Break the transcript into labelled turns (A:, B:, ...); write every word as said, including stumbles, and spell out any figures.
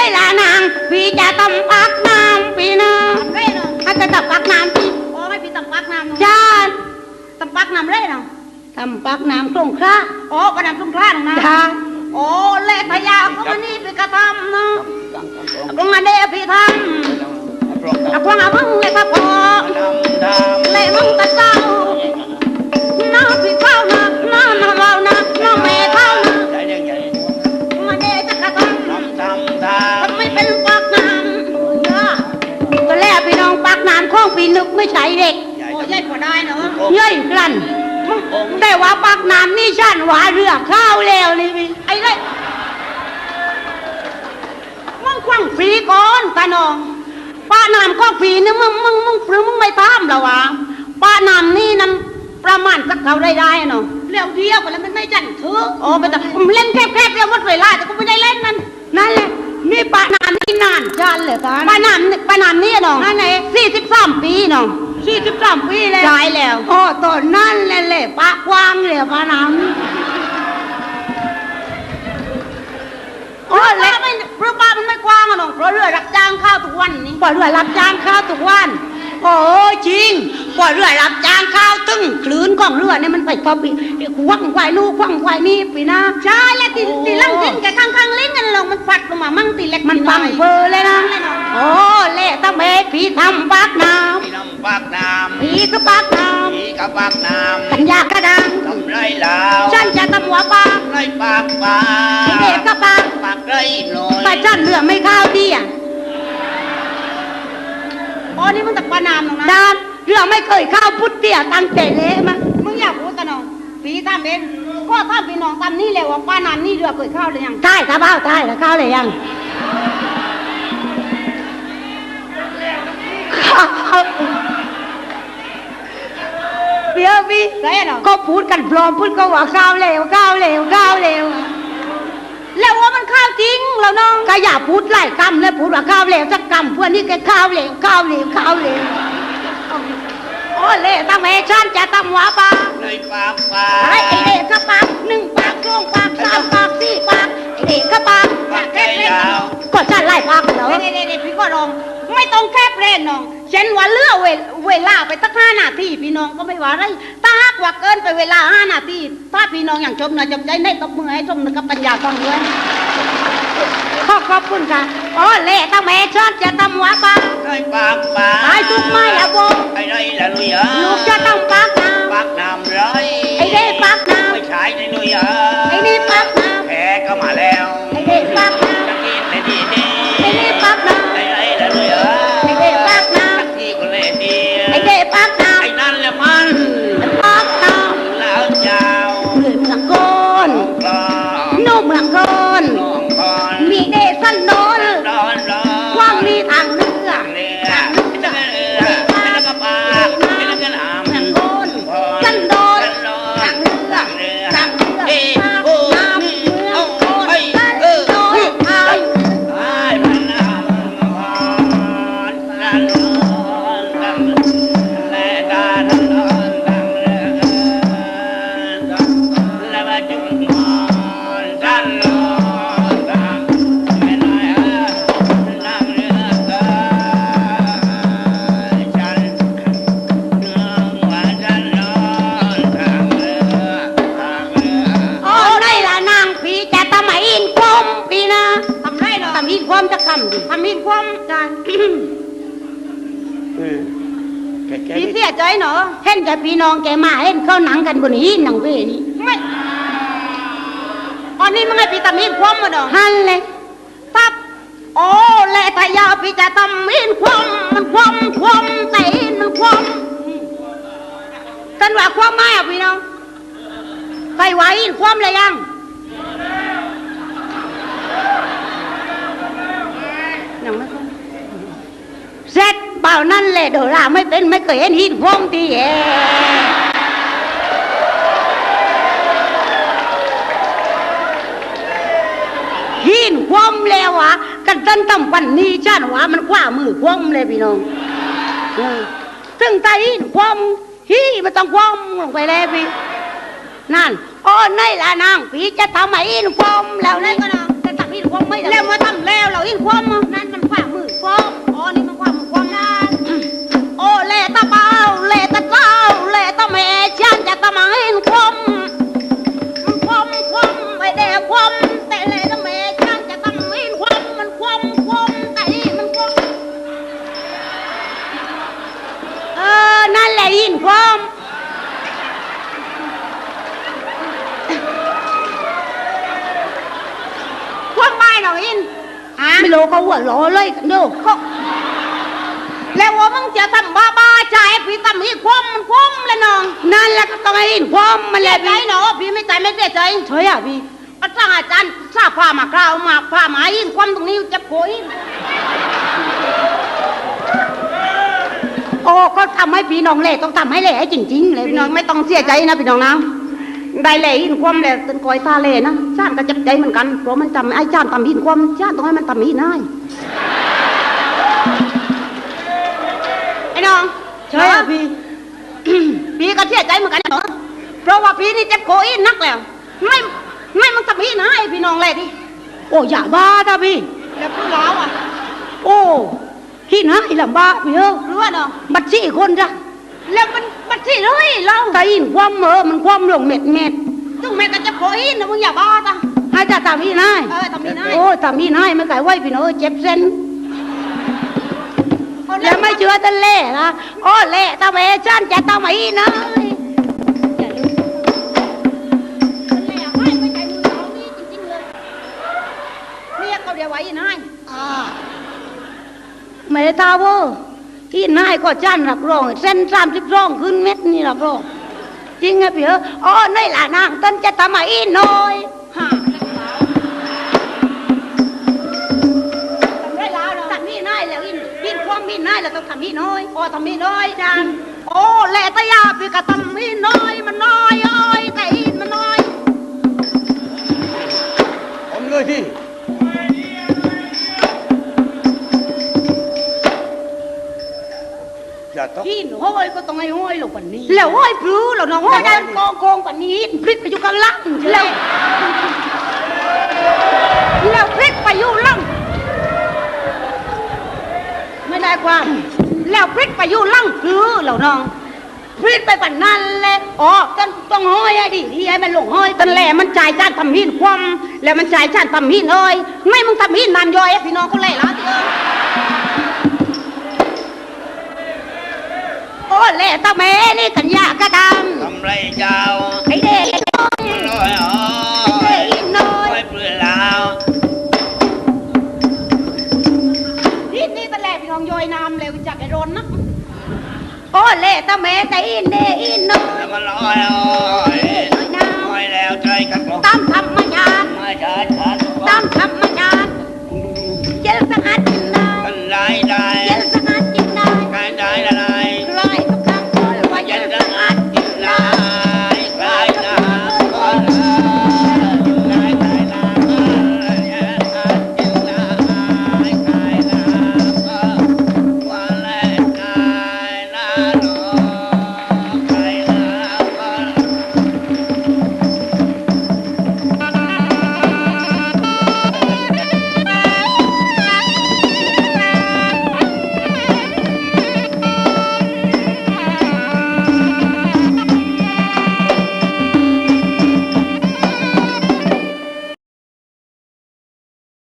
A: ได้ละนางพี่จะตำปักน้ำพี่นะเร่เนาะถ้าจะตำปักน้ำพี่โอ้ไม่พี่ตำปักน้ำจ้าตำปักน้ำเร่เนาะตำปักน้ำสงขลาโอ้ปน้ำสงขลาเนาะนะจ้าโอ้เล่พยาก็มานี่ไปกระทำเนาะตรงนั้นเด้พี่ทำเอาพวงเอามึงเลยพระพ่อเล่มึงตะเจ้าน้องพี่เข้านะน้องน้องเรานะน้องแม่เข้านะมาเด้จะกระทำทำไม่เป็นปักน้ำตัวแรกพี่น้องปักน้ำข้องปีนึกไม่ใช่เด็กโอ้ยพอได้เนาะเย้ยกลั่นได้ว่าปักน้ำนี่ฉันว่าเรือข้าวแล้วนี่พี่ไอ้เลยมึงควังฟรีก่อนตาน้องป้าน้ำก็ฟรีเนี่ยมึงมึงมึงฟรีมึงไม่ตามหรอวะป้าน้ำนี่น้ำประมาณสักเท่าได้ได้เนาะเลี้ยวเที่ยวกันแล้วมันไม่จันถือโอ้ไม่ต้องเล่นแคบๆแล้ววัดเวลาแต่ก็ไม่ได้เล่นนั่นนั่นแหละนี่ป้าน้ำนี่นานจันเลยกันป้าน้ำป้าน้ำนี่เนาะนั่นไหนสี่สิบสามปีเนาะสี่สิบสามปีแล้วใช่แล้วโอ้ตอนนั้นแหละแหละป้ากว้างเลยป้าน้ำโอ้เล็กไม่เพราะป้ามันไม่กว้างอะน้องเพราะเรือรับจ้างข้าวทุกวันนี่เพราะเรือรับจ้างข้าวทุกวันโอ้จริงเพราะเรือรับจ้างข้าวตึ้งคลื่นของเรือเนี่ยมันไปพอปีควังควายลูกควังควายนี่ปีนะใช่แล้วตีตีลังลิ้นแกข้างข้างลิ้นกันลงมันฟัดลงมามั่งตีเล็กมันฟังเฟอเลยนะโอ้เละตะเมฆพี่ทำปากน้ำพี่ทำปากน้ำพี่ก็ปากน้ำพี่ก็ปากน้ำขันยากกระดังทำไรแล้วฉันจะทำหัวปากไรปากปากเด็กก็ปากปากไรหน่อยแต่ฉันเรือไม่ข้าวดีอ่ะอ๋อนี่มันแต่ปานามหรอกนะดานเรือไม่เคยข้าวพุทธเตี้ยตั้งแต่เละมั้งมึงอยากพูดกันน้องพี่ทำเองก็ถ้าพี่น้องทำนี่เลยว่าปานามนี่เรือเคยข้าวเลยยังใช่ครับเบ้าใช่แล้วข้าวเลยยังเบี้ยพี่ก็พูดกันปลอมพูดก็ว่าข้าวเลวข้าวเลวข้าวเลวแล้วว่ามันข้าวจริงแล้วน้องก็อย่าพูดไล่กำแล้วพูดว่าข้าวเลวสักกำเพื่อนนี่แกข้าวเลวข้าวเลวข้าวเลวโอ้เล่ตั้งแม่ฉันจะทำหัวปลาในปากปลาไอ้เด็กก็ปากหนึ่งปากสองปากสามปากสี่ปากไอ้เด็กก็ปากปากแค่เล่นก็ฉันไล่ปากเหรอเด็กๆพี่ก็ลองไม่ต้องแคบเล่นน้องเช่นว่าเลือกเวลาไปตั้งห้านาทีพี่น้องก็ไม่ว่าไรถ้าหากว่าเกินไปเวลาห้านาทีถ้าพี่น้องอย่างชมนะจำใจในตบมือให้ชมนะครับปัญญาฟังด้วยขอขอบคุณค่ะอ๋อเล่ตั้งแม่ชอบจะทำหัวปากไอ้ปากปากไอ้ทุกไม้อะโบไอ้ไรละลุยอ่ะลูกจะต้องปากน้ำปากน้ำไรไอ้เด้ปากน้ำไม่ใช่ในลุยอ่ะไอ้นี่ปากน้ำแพ้ก็มาแล้วไอ้เด้ปากน้ำจะกินในดีดีไอ้นี่ปากน้ำไอ้ไรละลุยอ่ะไอ้เด้ปากน้ำที่ก็เล่ดีไอ้เด้ปากน้ำไอ้นั่นแหละมันปากน้ำแล้วยาวเหมือนสังกอนนุ่มเหมือนก้อนมีเดสันโนนว่างมีทางเรือทางเรือแล้วก็ปากแล้วก็หามทางโอนสันโดนทางเรือทางเรือน้ำเมืองโอนสันโดนทางไอ้พันน้ำพันสันโดนทางและการทางโดนทางเรือและมาจุดมอนสันโดความจะคำดิทำหินความการพี่เสียใจเนาะเห็นกับพี่น้องแกมาเห็นเขาหนังกันบนหินหนังเวนี่ไม่อันนี้มันให้พี่ทำหินความมาเนาะฮันเลยทับโอ้แหละถ้ายาพี่จะทำหินความมันความความแต่มันความกันว่าความไม่อะพี่น้องใครไหวหินความเลยยังเสร็จเปล่านั่นแหละเดี๋ยวเราไม่เป็นไม่เคยเห็นหินพงทีเอหินคว่ำแล้ววะกันต้นต่ำปันนี้ชาติวะมันกว่ามือคว่ำเลยพี่น้องถึงใจหินคว่ำฮีมันต้องคว่ำลงไปแล้วพี่นั่นโอ้ในละนางพี่จะทำให้หินคว่ำแล้วนี่ก็นางจะทำหินคว่ำไม่แล้วมาทำแล้วเราหินคว่ำความความไม่หรอกอินไม่รู้เขาหัวล้อเลยกันดูเขาแล้วว่ามึงจะทำบ้าบ้าใจพี่ทำอีกความมันความเลยน้องนั่นแหละก็ต้องให้อินความมันแหละพี่เนาะพี่ไม่ใจไม่เสียใจเฉยอ่ะพี่ก็สร้างอาจารย์ทราบผ้ามากล่าวมาผ้าหมายอินความตรงนี้จะโผล่โอ้ก็ทำให้พี่น้องเล่ต้องทำให้เล่ให้จริงๆเลยพี่น้องไม่ต้องเสียใจนะพี่น้องนะได้เล่อินความเล่ตึงคอยตาเล่นะชาติก็จับใจเหมือนกันเพราะมันทำไอ้ชาติทำอินความชาติต้องให้มันทำอินได้ไอ้น้องใช่พี่ พี่ก็เสียใจเหมือนกันเนาะเพราะว่าพี่นี่เจ็บโคอินนักแล้วไม่ไม่มันทำอินให้พี่น้องเล่ดิโอ้อย่าบ้าท่าพี่แล้วพูดแล้วอ่ะโอ้ที่ไหนลำบากพี่เออรู้ว่าเนาะบัดสี่คนจ้ะแล้วมันบัดสี่เลยเราแต่อินความเออมันความหลงเม็ดเม็ดซึ่งแม่ก็จะขออินนะมึงอย่าบ้าจ้ะให้จ่าทำอินให้เออทำอินให้โอ้ทำอินให้ไม่ไก่ไหวพี่น้องเจ็บเส้นแล้วไม่เชื่อจะเล่นะโอ้เล่ทำไมฉันจะทำอินนะเดี๋ยวไว้อินให้ไม่ได้ตาว่าที่นายก็จ้านรับรองเส้นสามสิบรองขึ้นเม็ดนี่รับรองจริงไงพี่เอออ๋อในหลานางต้นจะทำอีน้อยฮะทำได้แล้วเนาะทำนี่น้อยแล้วอินอินความมีน้อยแล้วต้องทำนี่น้อยอ๋อทำนี่น้อยจานโอ้แหละตายาพี่ก็ทำนี่น้อยมันน้อยอ้อยแต่อินมันน้อย
B: ผมเลยที่
A: พี่ห้อยก็ต้องให้ห้อยหลงปันนี้แล้วห้อยพลื้แล้วน้องห้อยดันกองกองปันนี้พลิกไปอยู่กันลังแล้วแล้วพลิกไปอยู่ลังไม่ได้ความแล้วพลิกไปอยู่ลังพลื้แล้วน้องพลิกไปปันนั้นแหละอ๋อต้องต้องห้อยดิที่ให้มันหลงห้อยตันแหล่มันจ่ายจานทำหินความแล้วมันจ่ายจานทำหินเลยไม่มึงทำหินนานย่อยพี่น้องเขาเล่ละที่เออโอ้เล่ตาแม่นี่กันยากระดำ
B: ทำไรเจ้า
A: ไอ้เด็กน้อย
B: น้อยอ๋อ
A: ไอ้เด็กน้อย
B: ไม่เปลือยแล้ว
A: นี่นี่ตะแหล่พี่น้องย่อยน้ำเลยจากไอ้รนนะโอ้เล่ตาแม่แต่อินเดอินน้อย
B: มันน้อยอ๋อน้อยแล้วใจกัน
A: ตามทำมายาม
B: ไม่ใช่ฉัน